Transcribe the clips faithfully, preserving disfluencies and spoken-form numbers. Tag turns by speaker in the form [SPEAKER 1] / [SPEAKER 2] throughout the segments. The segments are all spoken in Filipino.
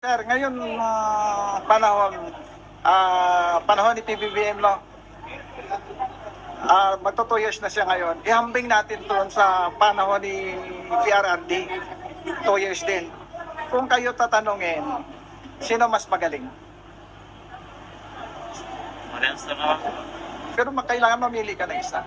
[SPEAKER 1] Sir, ngayon ah, panahon ah, panahon ni P B B M, no? Ah, magto two years na siya ngayon. Ihambing natin doon sa panahon ni P R R D. Two years din. Kung kayo tatanungin, sino mas magaling?
[SPEAKER 2] Parehas na naman.
[SPEAKER 1] Pero ma- kailangan mamili ka ng isa.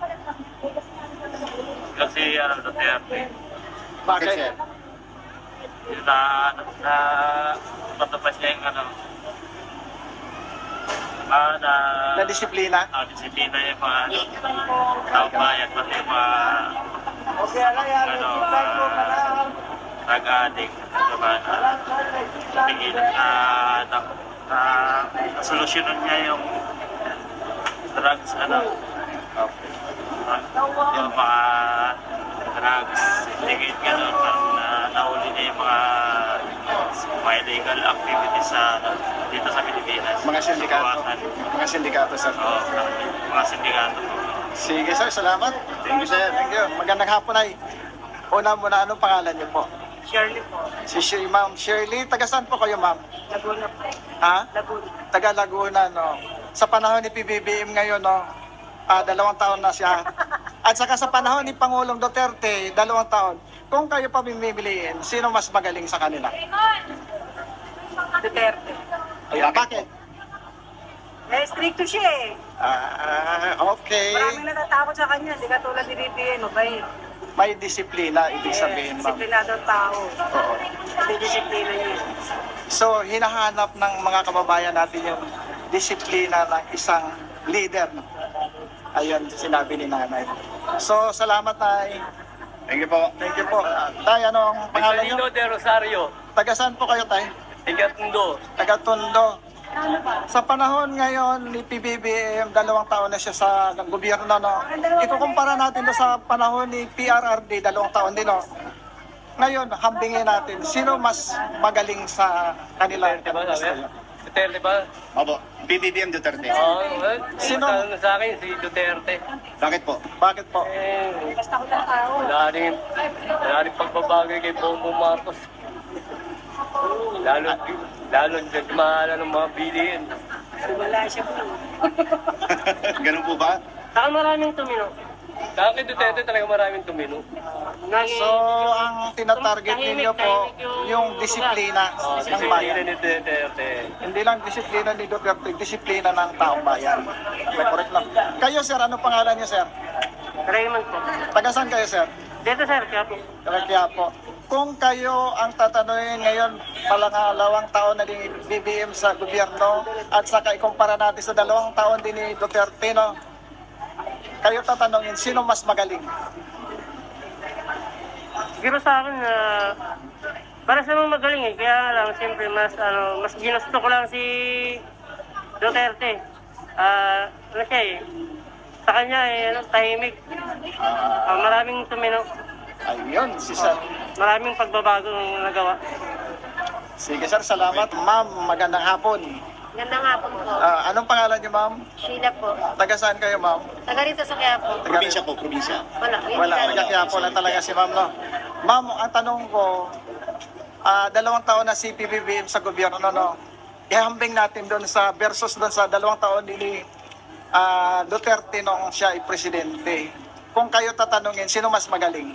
[SPEAKER 2] Kasi ano, Duterte.
[SPEAKER 1] Bakit?
[SPEAKER 2] Yung na, na, patupad niya yung ano, ah, na,
[SPEAKER 1] Na disiplina?
[SPEAKER 2] ah, disiplina yung mga, ano, tao bayan, pati yung mga, ano, uh, drug-addict, diba, na, tingilan na, na, na, nasolusyonan niya yung drugs, ano, yung mga drugs, syndicate, gano'n, parang na, nahuli niya yung mga, mga illegal activities sa, dito sa Pilipinas.
[SPEAKER 1] Mga sindikato.
[SPEAKER 2] Bawasan.
[SPEAKER 1] Mga sindikato, sir.
[SPEAKER 2] Oo, mga sindikato.
[SPEAKER 1] Sige, sir. Salamat. Thank you, sir. Thank you. Magandang hapon, ay. Una muna, anong pangalan niyo po?
[SPEAKER 3] Shirley po.
[SPEAKER 1] Si Shirley, ma'am. Shirley, taga saan po kayo, ma'am?
[SPEAKER 3] Laguna po.
[SPEAKER 1] Ha?
[SPEAKER 3] Laguna.
[SPEAKER 1] Taga Laguna, no? Sa panahon ni P B B M ngayon, no? Ah, dalawang taon na siya. At saka sa panahon ni Pangulong Duterte, dalawang taon. Kung kayo pa pimiliin, sino mas magaling sa kanila?
[SPEAKER 3] Duterte.
[SPEAKER 1] Ayan, bakit?
[SPEAKER 3] Eh, stricto siya eh.
[SPEAKER 1] Ah, okay.
[SPEAKER 3] Maraming natatakot sa kanya. Hindi ka tulad ni B B M. Mabait.
[SPEAKER 1] May disiplina, ibig sabihin, ma'am.
[SPEAKER 3] Disiplinado ang tao.
[SPEAKER 1] Oo.
[SPEAKER 3] Hindi disiplina niya.
[SPEAKER 1] So, hinahanap ng mga kababayan natin yung disiplina ng isang leader. Ayun, sinabi ni nanay. So, salamat, tay.
[SPEAKER 4] Thank you po.
[SPEAKER 1] Thank you po. Ah, tay, anong pangalan niyo?
[SPEAKER 5] Victorino de Rosario,
[SPEAKER 1] Taga saan po kayo, tay?
[SPEAKER 5] Igatundo.
[SPEAKER 1] Taga Tondo. Sa panahon ngayon ni P B B M, dalawang taon na siya sa gobyerno, no? Ikukumpara natin do sa panahon ni P R R D, dalawang taon din, no? Ngayon, hambingin natin, sino mas magaling sa kanila?
[SPEAKER 5] Duterte ba sabi? Duterte ba?
[SPEAKER 4] Opo, P B B M Duterte.
[SPEAKER 5] Oo, well,
[SPEAKER 1] Sino?
[SPEAKER 5] Sino? Sa akin, si Duterte.
[SPEAKER 4] Bakit po?
[SPEAKER 1] Bakit po?
[SPEAKER 5] Eh,
[SPEAKER 3] Basta ko ng tao.
[SPEAKER 5] wala rin, wala rin pagbabagay kay Bongbong Marcos. Lalo, lalo nagmahala ng mga bilihin.
[SPEAKER 3] Wala siya po.
[SPEAKER 4] Ganun po ba?
[SPEAKER 3] Saka maraming tumino.
[SPEAKER 5] Sa akin, Duterte talaga maraming tumino.
[SPEAKER 1] So, ang tinatarget ninyo po, yung disiplina
[SPEAKER 5] Oh,
[SPEAKER 1] ng
[SPEAKER 5] disiplina
[SPEAKER 1] bayan.
[SPEAKER 5] ni Duterte.
[SPEAKER 1] Hindi lang disiplina ni Duterte, disiplina ng taong bayan. May correct lang. Kayo, sir, ano pangalan niyo, sir?
[SPEAKER 3] Raymond po.
[SPEAKER 1] Taga saan kayo, sir?
[SPEAKER 3] Dito sir, kaya po.
[SPEAKER 1] Taga Quiapo. Kung kayo ang tatanungin ngayon, palangalawang taon na din ni B B M sa gobyerno at saka ikumpara natin sa dalawang taon din ni Duterte, no? Kayo tatanungin, sino mas magaling?
[SPEAKER 3] Siguro sa akin na para sa mga magaling eh. Kaya lang, siyempre, mas, ano, mas ginusto ko lang si Duterte. Ah, ano siya eh. Sa kanya eh, ano, tahimik. Ah, maraming tumino.
[SPEAKER 1] Ayun, si sir.
[SPEAKER 3] Maraming pagbabago ang nagawa.
[SPEAKER 1] Sige, sir, salamat. Ma'am, magandang hapon.
[SPEAKER 6] Ganda nga po po.
[SPEAKER 1] Ah, anong pangalan niyo, ma'am?
[SPEAKER 6] Sheila po.
[SPEAKER 1] Taga saan kayo, ma'am?
[SPEAKER 6] Taga rito sa Quiapo.
[SPEAKER 1] Taga-
[SPEAKER 4] Probinsya po, probinsya.
[SPEAKER 6] Wala. Yun
[SPEAKER 1] Wala,
[SPEAKER 6] lang.
[SPEAKER 1] taga Quiapo lang talaga si ma'am, no? Ma'am, ang tanong ko, ah, dalawang taon na si P B B M sa gobyerno, no? Ihambing natin doon sa versus doon sa dalawang taon ni ah, Duterte nung siya ay presidente. Kung kayo tatanungin, sino mas magaling?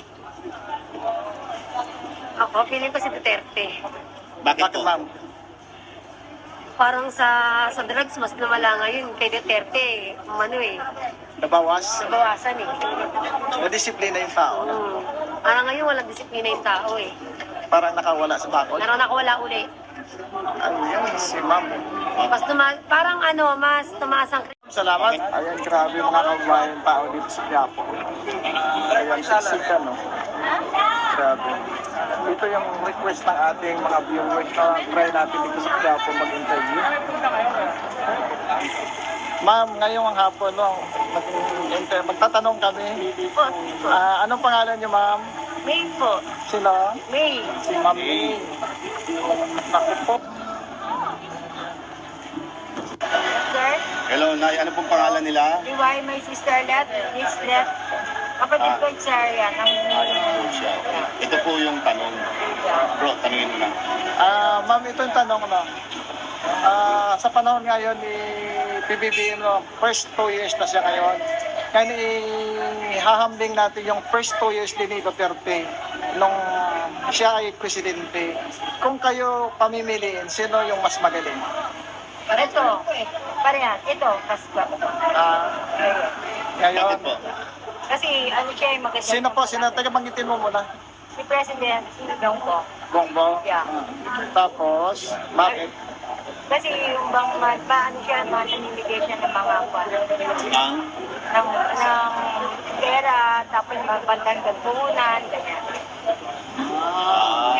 [SPEAKER 6] Ako, feeling ko si Duterte.
[SPEAKER 4] Bakit
[SPEAKER 1] Bakit,
[SPEAKER 4] po?
[SPEAKER 1] ma'am?
[SPEAKER 6] Parang sa sa drugs, mas lumala ngayon kay Duterte. Ano eh,
[SPEAKER 1] Nabawas?
[SPEAKER 6] nabawasan eh.
[SPEAKER 1] Nadisiplina yung tao.
[SPEAKER 6] Hmm. Parang ngayon walang disiplina yung tao eh.
[SPEAKER 1] Parang nakawala sa bakod.
[SPEAKER 6] Naroon ako wala uli.
[SPEAKER 1] Ayun, si ma'am.
[SPEAKER 6] Mas tuma parang ano, mas tumaas ang
[SPEAKER 1] Salamat. Ayan, grabe yung mga kababayan tao dito sa Quiapo. Ayan, sisika, no? Grabe. Ito yung request ng ating mga viewers na try natin dito sa Quiapo mag-interview. Ma'am, ngayong hapon, no, mag- magtatanong kami. Ah, anong pangalan niyo, ma'am?
[SPEAKER 6] May po.
[SPEAKER 1] Sino?
[SPEAKER 6] May.
[SPEAKER 1] Si Ma'am May. Naku po.
[SPEAKER 6] Sir,
[SPEAKER 4] Hello, Nay. Ano pong pangalan nila?
[SPEAKER 6] Liway, my sister Let, Miss Let. Kapatid ko yung Sharia.
[SPEAKER 4] Ayun po siya. Ito po yung tanong. Bro, tanungin mo na.
[SPEAKER 1] Ah, ma'am, ito yung tanong, no? Ah, sa panahon ngayon ni P B B M, no, first two years na siya ngayon. Ngayon, ihahambing natin yung first two years din ni Duterte nung siya ay presidente. Kung kayo pamimiliin, sino yung mas magaling?
[SPEAKER 6] Ito, parehan. Ito, mas gwapo.
[SPEAKER 1] Ah, ngayon,
[SPEAKER 4] Bakit po?
[SPEAKER 6] Kasi ano siya yung maganda.
[SPEAKER 1] sino po? Sino? Taga banggitin mo muna.
[SPEAKER 6] Si President Dongko.
[SPEAKER 1] Bongbong.
[SPEAKER 6] Yeah.
[SPEAKER 1] Tapos, bakit?
[SPEAKER 6] Kasi yung bang ma- maano siya, manamimigay siya ng mga kwan.
[SPEAKER 4] Ang
[SPEAKER 6] Ng, ng pera, tapos mga bandang gagpunan, ganyan.
[SPEAKER 4] ah,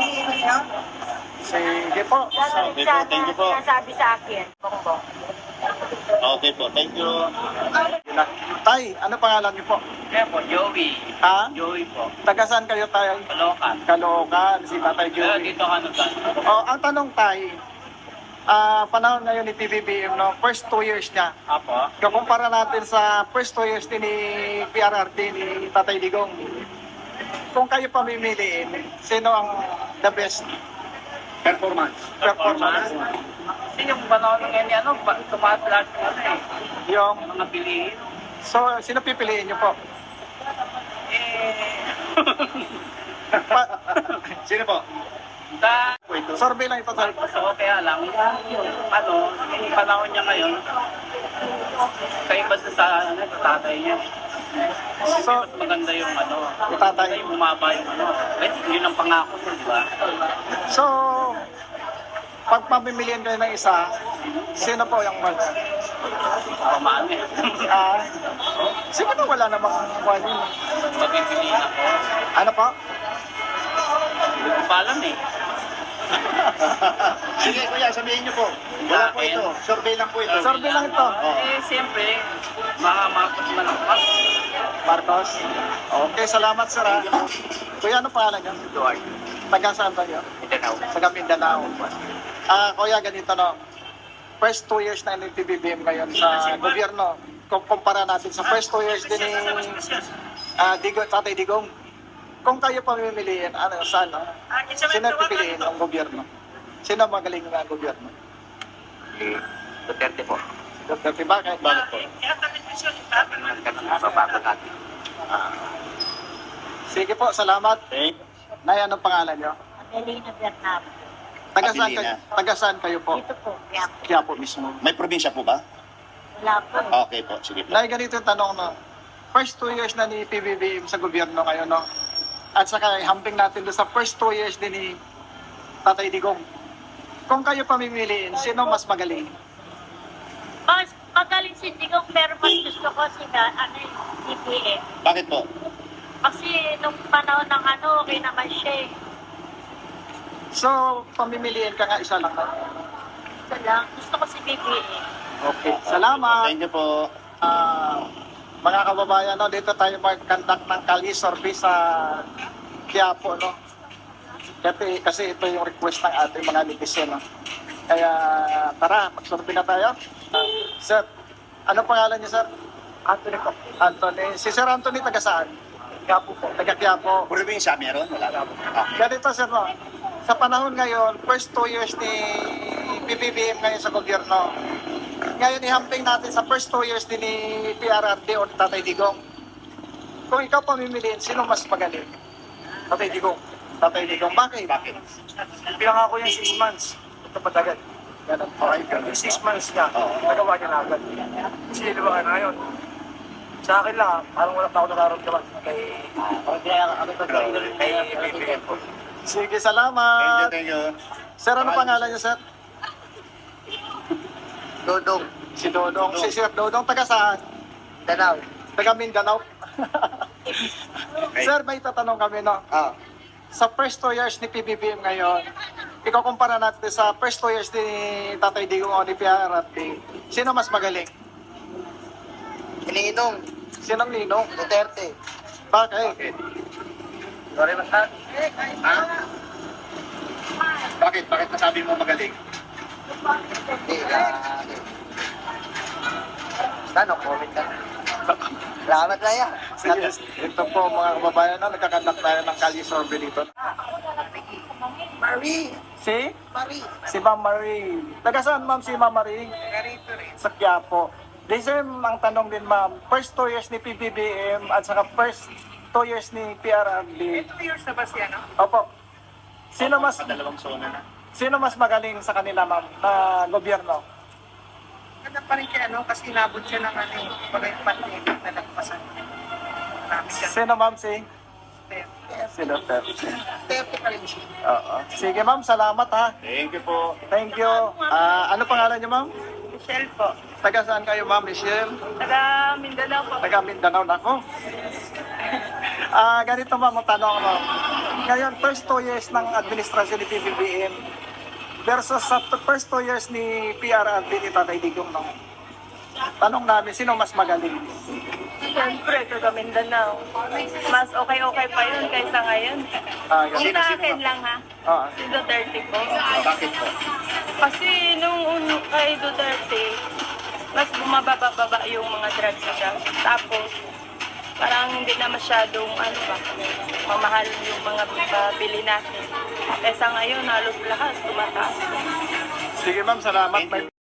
[SPEAKER 1] Sige po.
[SPEAKER 6] Gagawin
[SPEAKER 4] Sabi po,
[SPEAKER 6] sana,
[SPEAKER 4] thank you po.
[SPEAKER 6] sinasabi sa akin, Bongbong.
[SPEAKER 4] okay po. Thank you.
[SPEAKER 1] Yun na. Tay, ano pangalan niyo po?
[SPEAKER 2] Kaya po, Joey.
[SPEAKER 1] Ha?
[SPEAKER 2] Joey po.
[SPEAKER 1] Taga saan kayo, Tay?
[SPEAKER 2] Kalokan.
[SPEAKER 1] Caloocan, si Tatay
[SPEAKER 2] Pero
[SPEAKER 1] Joey.
[SPEAKER 2] dito ka nagkan.
[SPEAKER 1] Oh, ang tanong, Tay, ah panahon ngayon ni P B B M, no, first two years niya.
[SPEAKER 2] Apo.
[SPEAKER 1] Kumpara natin sa first two years din ni P R R D ni Tatay Digong. Kung kayo pamimiliin, sino ang the best
[SPEAKER 4] Performance.
[SPEAKER 1] performance?
[SPEAKER 2] Kasi yung panahon ng ganyan, ano, pa- tumaas lahat ng ano eh.
[SPEAKER 1] Yung,
[SPEAKER 2] Mga bilihin.
[SPEAKER 1] so, sino pipiliin niyo po?
[SPEAKER 2] Eh,
[SPEAKER 1] Pa-
[SPEAKER 4] Sino po?
[SPEAKER 2] sa
[SPEAKER 1] survey lang ito, Tay.
[SPEAKER 2] So, kaya lang, ano, yung panahon niya ngayon, kaiba doon sa ano, sa tatay niya.
[SPEAKER 1] So,
[SPEAKER 2] Mas maganda yung ano,
[SPEAKER 1] yung tatay.
[SPEAKER 2] yung bumaba yung ano. Eh, yun ang pangako ko, di ba?
[SPEAKER 1] So, pag pamimiliin kayo ng isa, sino po yung mag...
[SPEAKER 2] Pamaan eh.
[SPEAKER 1] Ah, siguro wala namang kwan yun.
[SPEAKER 2] Pagpipiliin ako.
[SPEAKER 1] Ano po?
[SPEAKER 2] Hindi ko pa alam eh.
[SPEAKER 4] Sige, kuya, sabihin niyo po. Wala po ito. Survey lang po ito.
[SPEAKER 1] Survey lang ito.
[SPEAKER 2] Eh, siyempre, mga Marcos Malangkas.
[SPEAKER 1] Marcos. Okay, salamat sir ha. Kuya, ano pangalan niyo?
[SPEAKER 2] Eduard.
[SPEAKER 1] Taga saan ba niyo?
[SPEAKER 2] Mindanao.
[SPEAKER 1] Taga Mindanao. Ah, kuya, ganito no. First two years na ni P B B M ngayon sa gobyerno. Kung kumpara natin sa first two years din ni ah, Digo, Tatay Digong. Kung kayo pamimiliin, ano, saan? No? Sino pipiliin ng gobyerno? Sino magaling ng gobyerno?
[SPEAKER 2] Duterte po.
[SPEAKER 1] Duterte, bakit?
[SPEAKER 4] Bakit po?
[SPEAKER 2] Babago natin.
[SPEAKER 1] Sige po, salamat.
[SPEAKER 4] Okay.
[SPEAKER 1] Nay, anong pangalan niyo?
[SPEAKER 6] Adelina Bernab.
[SPEAKER 1] Taga saan
[SPEAKER 4] Abilina.
[SPEAKER 1] kayo, taga saan kayo po?
[SPEAKER 6] Dito po, kaya
[SPEAKER 1] Kaya po mismo.
[SPEAKER 4] May probinsya po ba?
[SPEAKER 6] wala po.
[SPEAKER 4] Okay po. Sige po.
[SPEAKER 1] Nay, ganito yung tanong no. First two years na ni P B B M sa gobyerno kayo, no? At saka hamping natin doon sa first two years din ni Tatay Digong. Kung kayo pamimiliin, sino mas magaling?
[SPEAKER 7] Mas magaling si Digong pero mas gusto ko si na, ano yung D P M.
[SPEAKER 4] Bakit po?
[SPEAKER 7] Kasi nung panahon ng ano, okay naman siya eh.
[SPEAKER 1] So, pamimiliin ka nga isa lang. no?
[SPEAKER 7] Ito lang, gusto ko si B B M.
[SPEAKER 1] Okay, salamat.
[SPEAKER 4] Thank you po.
[SPEAKER 1] Ah, mga kababayan, no, dito tayo mag-conduct ng Kali survey sa Quiapo, no? Kasi, kasi ito yung request ng ating mga netizen, no? Kaya, tara, mag-survey na tayo. Ah, sir, ano pangalan niyo, sir? Anthony po. Anthony. Si Sir Anthony, taga saan? Quiapo po. Taga Quiapo.
[SPEAKER 4] Probinsya meron? Wala. Ah.
[SPEAKER 1] Ganito, sir, no? Sa panahon ngayon, first two years ni P B B M ngayon sa gobyerno, ngayon ihamping natin sa first two years din ni P R R D o ni Tatay Digong. Kung ikaw pamimiliin, sino mas magaling? Tatay Digong. Tatay Digong. Bakit?
[SPEAKER 4] Bakit?
[SPEAKER 8] Pinangako yung six months. Ito patagal.
[SPEAKER 1] Ganun. Okay, ganun.
[SPEAKER 8] Yung six months niya, nagawa niya na agad. Kasi di ba na ngayon? Sa akin lang, parang wala pa ako nararamdaman kay kay B B M po.
[SPEAKER 1] Sige,
[SPEAKER 4] Thank you,
[SPEAKER 1] salamat.
[SPEAKER 4] thank you.
[SPEAKER 1] Sir, ano pangalan niyo, sir?
[SPEAKER 8] Dodong,
[SPEAKER 1] Si Dodong. Si Sir Dodong, taga saan?
[SPEAKER 8] Danao.
[SPEAKER 1] Taga Mindanao.
[SPEAKER 4] Okay.
[SPEAKER 1] Sir, may tatanong kami, no?
[SPEAKER 8] Ah,
[SPEAKER 1] Sa first two years ni P B B M ngayon, ikaw kumpara natin sa first two years ni Tatay Digong o ni P R R D, sino mas magaling?
[SPEAKER 8] Ninong,
[SPEAKER 1] Sinong ninong?
[SPEAKER 8] Duterte.
[SPEAKER 1] Bakit?
[SPEAKER 8] Sorry ba sa?
[SPEAKER 4] Ha? Bakit? Bakit nasabi mo magaling?
[SPEAKER 8] Hindi, ah... Basta no, comment ka. Salamat na yan.
[SPEAKER 1] Sige, ito po mga kababayan, no, nagkakandak tayo ng Kali survey dito. Marie. Si? Marie. Si Ma'am Marie. Taga saan ma'am si Ma'am Marie? Garito rin. Sa Quiapo. This time, ang tanong din ma'am, first two years ni P B B M at saka first two years ni P R R D.
[SPEAKER 9] two years na ba siya, no?
[SPEAKER 1] Opo. Sino mas
[SPEAKER 4] Dalawang zona na.
[SPEAKER 1] sino mas magaling sa kanila ma'am na gobyerno?
[SPEAKER 9] Ganda pa rin siya, no? Kasi inabot siya ng ano, eh, bagay pandemic na nagpasan. Marami siya.
[SPEAKER 1] Sino ma'am si? Si Duterte.
[SPEAKER 9] thirty pa rin siya.
[SPEAKER 1] Oo. Sige ma'am, salamat ha.
[SPEAKER 4] Thank you po.
[SPEAKER 1] Thank you. Ah, ano pangalan niyo ma'am?
[SPEAKER 9] Michelle po.
[SPEAKER 1] Taga saan kayo ma'am, Michelle?
[SPEAKER 9] Taga Mindanao po.
[SPEAKER 1] Taga Mindanao na ako. Ah, ganito ma'am, ang tanong mo. Ngayon, first two years ng administrasyon ni P B B M versus sa t- first two years ni P R R D ni Tatay Digong, no? Tanong namin, sino mas magaling?
[SPEAKER 6] Siyempre, taga Mindanao. Mas okay-okay pa yun kaysa ngayon.
[SPEAKER 1] Ah,
[SPEAKER 6] Kung
[SPEAKER 1] ganito.
[SPEAKER 6] sa akin lang ha,
[SPEAKER 1] Ah,
[SPEAKER 6] si Duterte po.
[SPEAKER 4] Bakit po?
[SPEAKER 6] Kasi nung uno kay Duterte, mas bumababa-baba yung mga drugs niya. Tapos, parang hindi na masyadong ano ba, mamahal yung mga bili natin. Kaysa ngayon, halos lahat tumataas.
[SPEAKER 1] sige ma'am, salamat. May